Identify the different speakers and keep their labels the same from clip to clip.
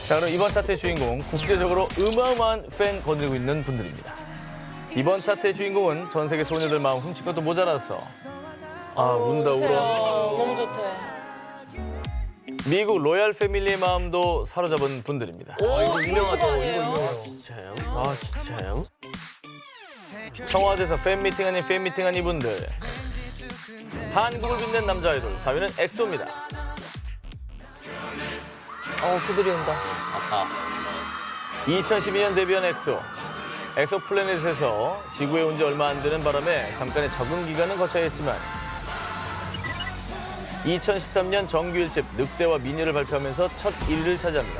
Speaker 1: 자, 그럼 이번 차트의 주인공, 국제적으로 어마어마한 팬 거느리고 있는 분들입니다. 이번 차트의 주인공은 전 세계 소녀들 마음 훔친 것도 모자라서 운다 울어.
Speaker 2: 너무 좋대.
Speaker 1: 미국 로얄 패밀리의 마음도 사로잡은 분들입니다.
Speaker 2: 이거 유명하죠. 이거 유명해요.
Speaker 3: 진짜요? 아, 진짜요?
Speaker 1: 청와대에서 팬미팅 아닌 팬미팅한 이분들. 한국을 빛낸 남자 아이돌, 4위는 엑소입니다.
Speaker 2: 그들이 온다.
Speaker 3: 아까
Speaker 1: 2012년 데뷔한 엑소. 엑소 플래닛에서 지구에 온 지 얼마 안 되는 바람에 잠깐의 적응 기간은 거쳐야 했지만 2013년 정규 1집 늑대와 미녀를 발표하면서 첫 1위를 차지합니다.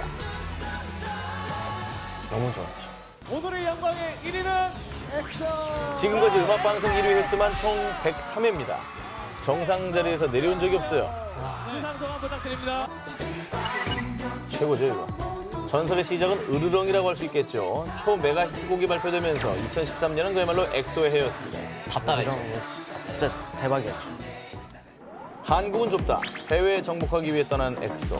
Speaker 3: 너무 좋았죠.
Speaker 4: 오늘의 영광의 1위는 엑소!
Speaker 1: 지금까지 음악방송 1위 횟수만 총 103회입니다. 정상 자리에서 내려온 적이 없어요.
Speaker 4: 수상 소감 부탁드립니다.
Speaker 1: 최고죠, 이거. 전설의 시작은 으르렁이라고 할 수 있겠죠. 초메가 히트곡이 발표되면서 2013년은 그야말로 엑소의 해였습니다.
Speaker 3: 다 따라했죠. 진짜 대박이었죠.
Speaker 1: 한국은 좁다. 해외에 정복하기 위해 떠난 엑소.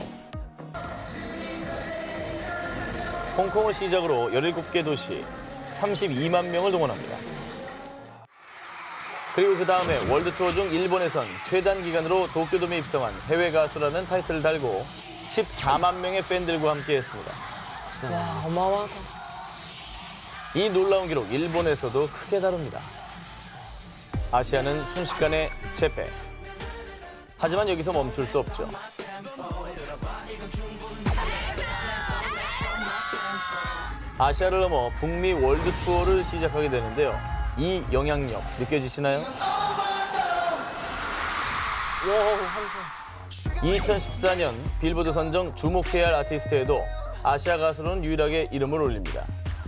Speaker 1: 홍콩을 시작으로 17개 도시, 32만 명을 동원합니다. 그리고 그 다음에 월드 투어 중 일본에선 최단 기간으로 도쿄돔에 입성한 해외 가수라는 타이틀을 달고 14만 명의 팬들과 함께했습니다.
Speaker 2: 와, 어마어마하다.
Speaker 1: 이 놀라운 기록 일본에서도 크게 다룹니다. 아시아는 순식간에 재패. 하지만 여기서 멈출 수 없죠. 아시아를 넘어 북미 월드 투어를 시작하게 되는데요. 이 영향력 느껴지시나요? 2014년 빌보드 선정 주목해야 할 아티스트에도 아시아 가수로는 유일하게 이름을 올립니다.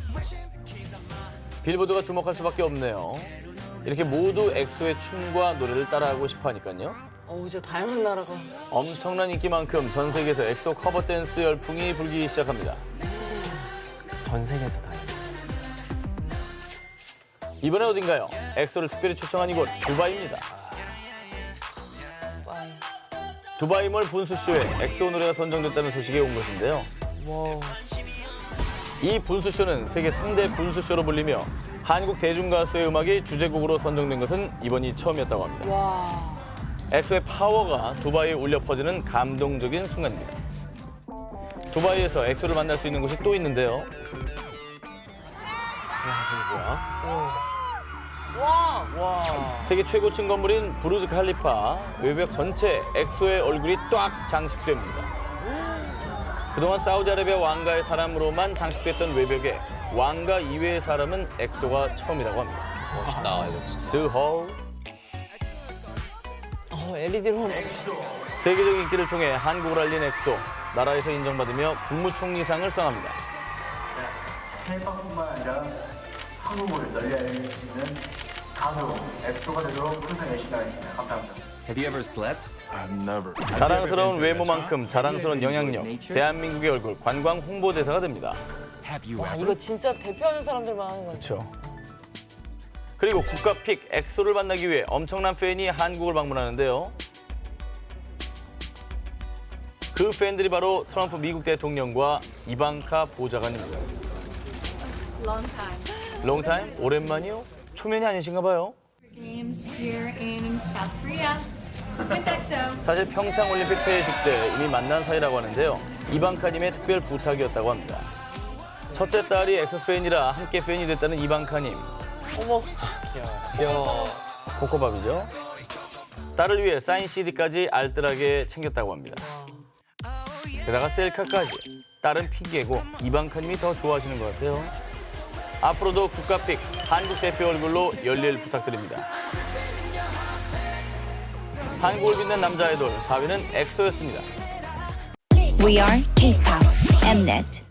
Speaker 1: 빌보드가 주목할 수밖에 없네요. 이렇게 모두 엑소의 춤과 노래를 따라하고 싶어 하니까요.
Speaker 2: 진짜 다양한 나라가.
Speaker 1: 엄청난 인기만큼 전 세계에서 엑소 커버 댄스 열풍이 불기 시작합니다.
Speaker 3: 전 세계에서 다.
Speaker 1: 이번엔 어딘가요? 엑소를 특별히 초청한 이곳 두바이입니다. 두바이몰 분수쇼에 엑소 노래가 선정됐다는 소식이 온 것인데요.
Speaker 2: 와.
Speaker 1: 이 분수쇼는 세계 3대 분수쇼로 불리며 한국 대중가수의 음악이 주제곡으로 선정된 것은 이번이 처음이었다고 합니다.
Speaker 2: 와.
Speaker 1: 엑소의 파워가 두바이에 울려 퍼지는 감동적인 순간입니다. 두바이에서 엑소를 만날 수 있는 곳이 또 있는데요.
Speaker 2: 와.
Speaker 1: 세계 최고층 건물인 부르즈 칼리파 외벽 전체에 엑소의 얼굴이 딱 장식됩니다. 그동안 사우디아라비아 왕가의 사람으로만 장식됐던 외벽에 왕가 이외의 사람은 엑소가 처음이라고 합니다.
Speaker 3: 멋있다, 이거 진짜.
Speaker 1: 스호.
Speaker 2: LED로.
Speaker 1: 세계적 인기를 통해 한국을 알린 엑소. 나라에서 인정받으며 국무총리상을 수상합니다.
Speaker 5: 해외뿐만 아니라 한국을 널리 알릴 수 있는 가수 엑소가 되도록 항상 열심히 하겠습니다. 감사합니다.
Speaker 6: Have you ever slept? I've never.
Speaker 1: 자랑스러운 외모만큼 자랑스러운 영향력. 대한민국의 얼굴 관광 홍보대사가 됩니다.
Speaker 6: Have you
Speaker 2: 와,
Speaker 6: ever?
Speaker 2: 이거 진짜 대표하는 사람들만 하는 거죠.
Speaker 1: 그렇죠. 그리고 국가 픽 엑소를 만나기 위해 엄청난 팬이 한국을 방문하는데요. 그 팬들이 바로 트럼프 미국 대통령과 이방카 보좌관입니다.
Speaker 7: Long time.
Speaker 1: 롱타임? 오랜만이요? 초면이 아니신가 봐요.
Speaker 7: Games here in South Korea with EXO.
Speaker 1: 사실 평창 올림픽 폐회식 때 이미 만난 사이라고 하는데요. 이방카님의 특별 부탁이었다고 합니다. 첫째 딸이 엑소 팬이라 함께 팬이 됐다는 이방카님.
Speaker 2: 어머.
Speaker 3: 귀여워.
Speaker 1: 코코밥이죠. 딸을 위해 사인 CD까지 알뜰하게 챙겼다고 합니다. 게다가 셀카까지. 딸은 핑계고 이방카님이 더 좋아하시는 것 같아요. 앞으로도 국가픽 한국 대표 얼굴로 열일 부탁드립니다. 한국을 빛낸 남자 아이돌 4위는 엑소였습니다.
Speaker 8: We are K-pop Mnet.